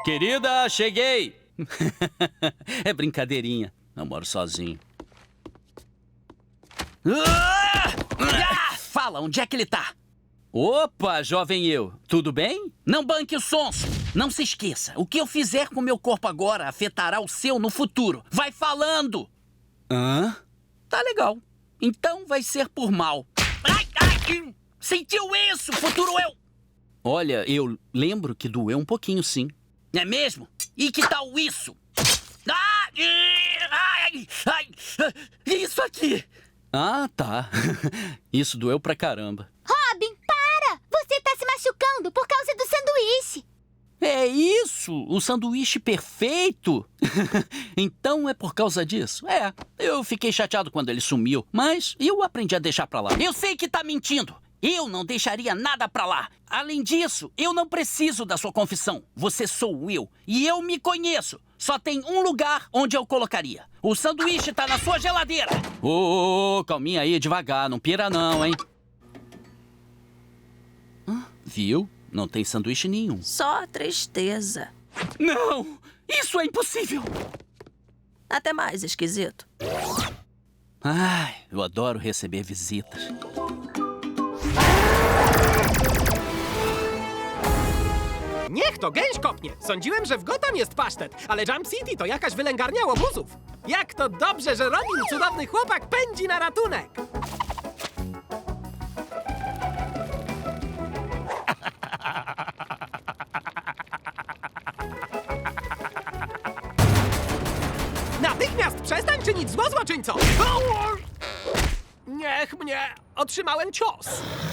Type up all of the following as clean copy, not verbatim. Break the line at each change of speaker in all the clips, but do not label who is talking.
Querida, cheguei! É brincadeirinha. Eu moro sozinho. Fala, onde é que ele tá? Opa, jovem eu. Tudo bem? Não banque o sonso. Não se esqueça. O que eu fizer com meu corpo agora afetará o seu no futuro. Vai falando! Hã? Tá legal. Então vai ser por mal. Ai, ai! Sentiu isso, futuro eu? Olha, eu lembro que doeu um pouquinho, sim. É mesmo? E que tal isso? Ai, isso aqui! Ah, tá. Isso doeu pra caramba.
Robin, para! Você tá se machucando por causa do sanduíche.
É isso! O sanduíche perfeito! Então é por causa disso? É, eu fiquei chateado quando ele sumiu, mas eu aprendi a deixar pra lá. Eu sei que tá mentindo! Eu não deixaria nada pra lá. Além disso, eu não preciso da sua confissão. Você sou eu. E eu me conheço. Só tem um lugar onde eu colocaria. O sanduíche tá na sua geladeira. Ô, calminha aí, devagar. Não pira não, hein? Viu? Não tem sanduíche nenhum.
Só tristeza.
Não! Isso é impossível!
Até mais, esquisito.
Ai, eu adoro receber visitas.
Niech to gęś kopnie! Sądziłem, że w Gotham jest pasztet, ale Jump City to jakaś wylęgarnia łobuzów. Jak to dobrze, że Robin, cudowny chłopak, pędzi na ratunek! Natychmiast przestań czynić zło, złoczyńco! Niech mnie... Otrzymałem cios.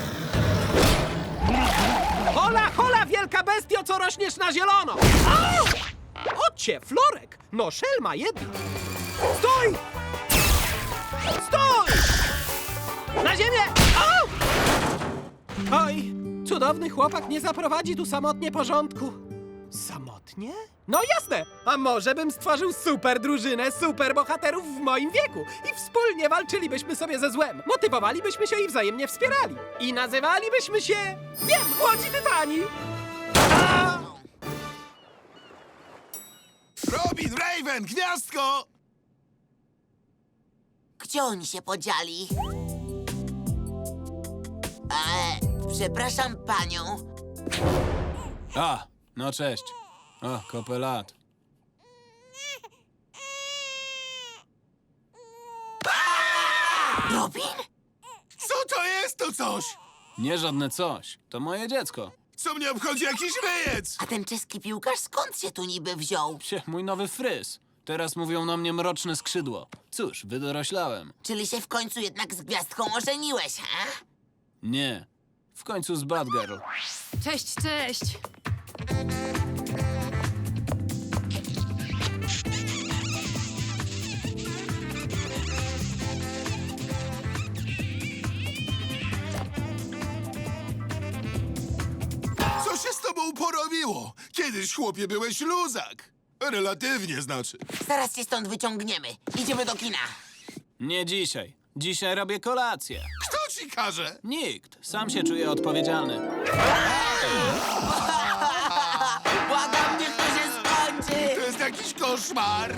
Hola, hola, wielka bestio, co rośniesz na zielono! Au! Ocie, Florek! No, szelma jedna! Stój! Stój! Na ziemię! Au! Oj, cudowny chłopak nie zaprowadzi tu samotnie porządku. Samotnie? No jasne! A może bym stworzył super drużynę super bohaterów w moim wieku i wspólnie walczylibyśmy sobie ze złem, motywowalibyśmy się i wzajemnie wspierali. I nazywalibyśmy się... Wiem, Łodzi Tytani! A!
Robin, Raven, gwiazdko!
Gdzie oni się podzieli? Przepraszam panią.
A, no cześć. O, kopę lat.
Robin?
Co to jest to coś?
Nie żadne coś. To moje dziecko.
Co mnie obchodzi jakiś wyjec?
A ten czeski piłkarz skąd się tu niby wziął?
Psie, mój nowy fryz. Teraz mówią na mnie mroczne skrzydło. Cóż, wydoroślałem.
Czyli się w końcu jednak z gwiazdką ożeniłeś, ha?
Nie. W końcu z Bad Girl.
Cześć, cześć.
Co się z tobą porobiło? Kiedyś, chłopie, byłeś luzak. Relatywnie, znaczy.
Zaraz cię stąd wyciągniemy. Idziemy do kina.
Nie dzisiaj. Dzisiaj robię kolację.
Kto ci każe?
Nikt. Sam się czuję odpowiedzialny.
Błagam, niech to się skończy!
To jest jakiś koszmar.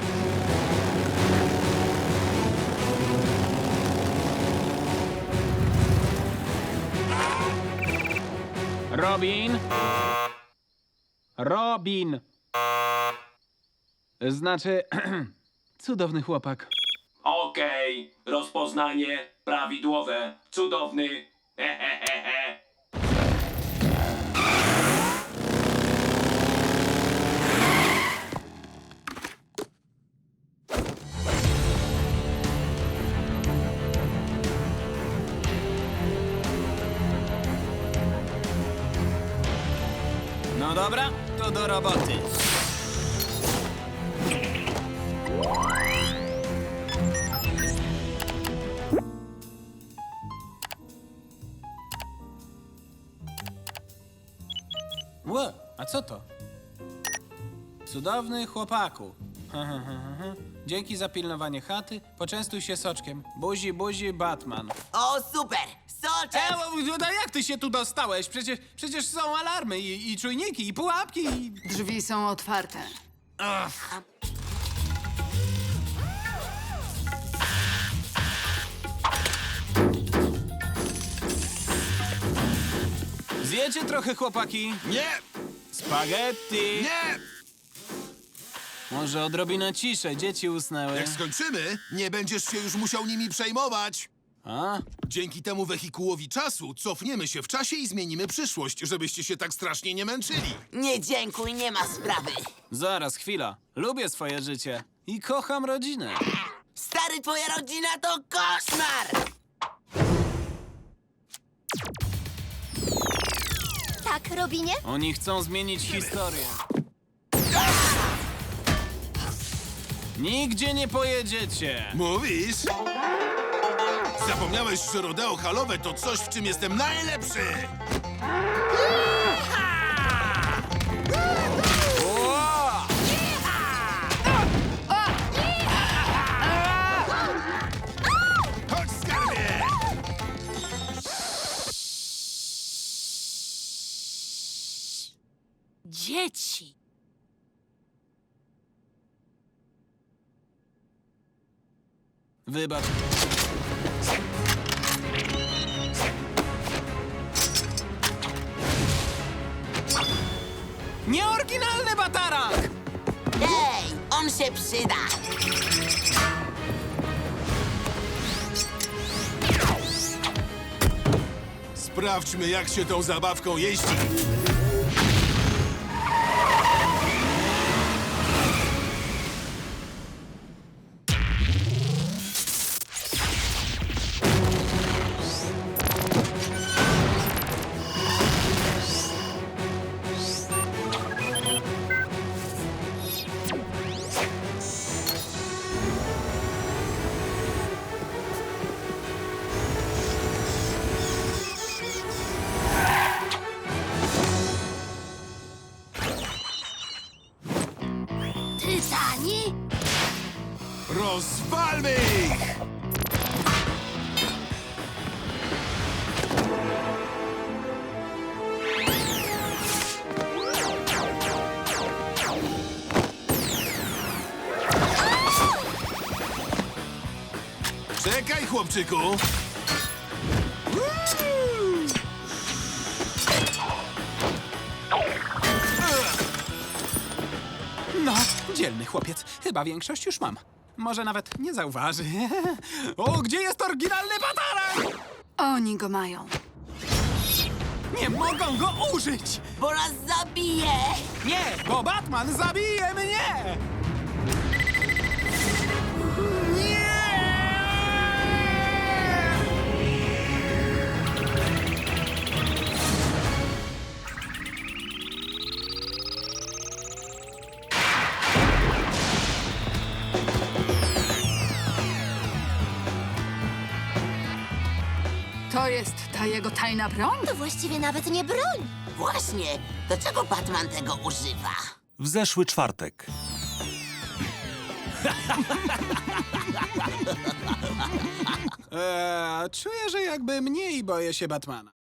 Robin? Robin! Znaczy, cudowny chłopak.
Okej, rozpoznanie prawidłowe. Cudowny. Hehehehe.
No dobra, to do roboty. Ło, a co to? Cudowny chłopaku. Dzięki za pilnowanie chaty. Poczęstuj się soczkiem. Buzi, buzi, Batman.
O, super! poczep!
No jak ty się tu dostałeś? Przecież są alarmy i czujniki, i pułapki, i...
Drzwi są otwarte.
Zjecie trochę, chłopaki?
Nie!
Spaghetti!
Nie!
Może odrobinę ciszej, dzieci usnęły.
Jak skończymy, nie będziesz się już musiał nimi przejmować.
A?
Dzięki temu wehikułowi czasu cofniemy się w czasie i zmienimy przyszłość, żebyście się tak strasznie nie męczyli.
Nie dziękuj, nie ma sprawy.
Zaraz, chwila. Lubię swoje życie i kocham rodzinę.
Stary, twoja rodzina to koszmar!
Tak, Robinie?
Oni chcą zmienić historię. Nigdzie nie pojedziecie.
Mówisz? Zapomniałeś, że rodeo halowe to coś, w czym jestem najlepszy!
O!
Chodź, skarbie!
Dzieci!
Wybacz. Nieoryginalny batarak!
Ej, on się przyda!
Sprawdźmy, jak się tą zabawką jeździ.
Tytani?
Rozwalmy ich! Czekaj, chłopczyku!
No, dzielny chłopiec. Chyba większość już mam. Może nawet nie zauważy. O, gdzie jest oryginalny batarak?
Oni go mają.
Nie mogą go użyć!
Bo nas zabije!
Nie, bo Batman zabije mnie!
To jest ta jego tajna broń?
To właściwie nawet nie broń.
Właśnie, do czego Batman tego używa?
W zeszły czwartek.
Czuję, że jakby mniej boję się Batmana.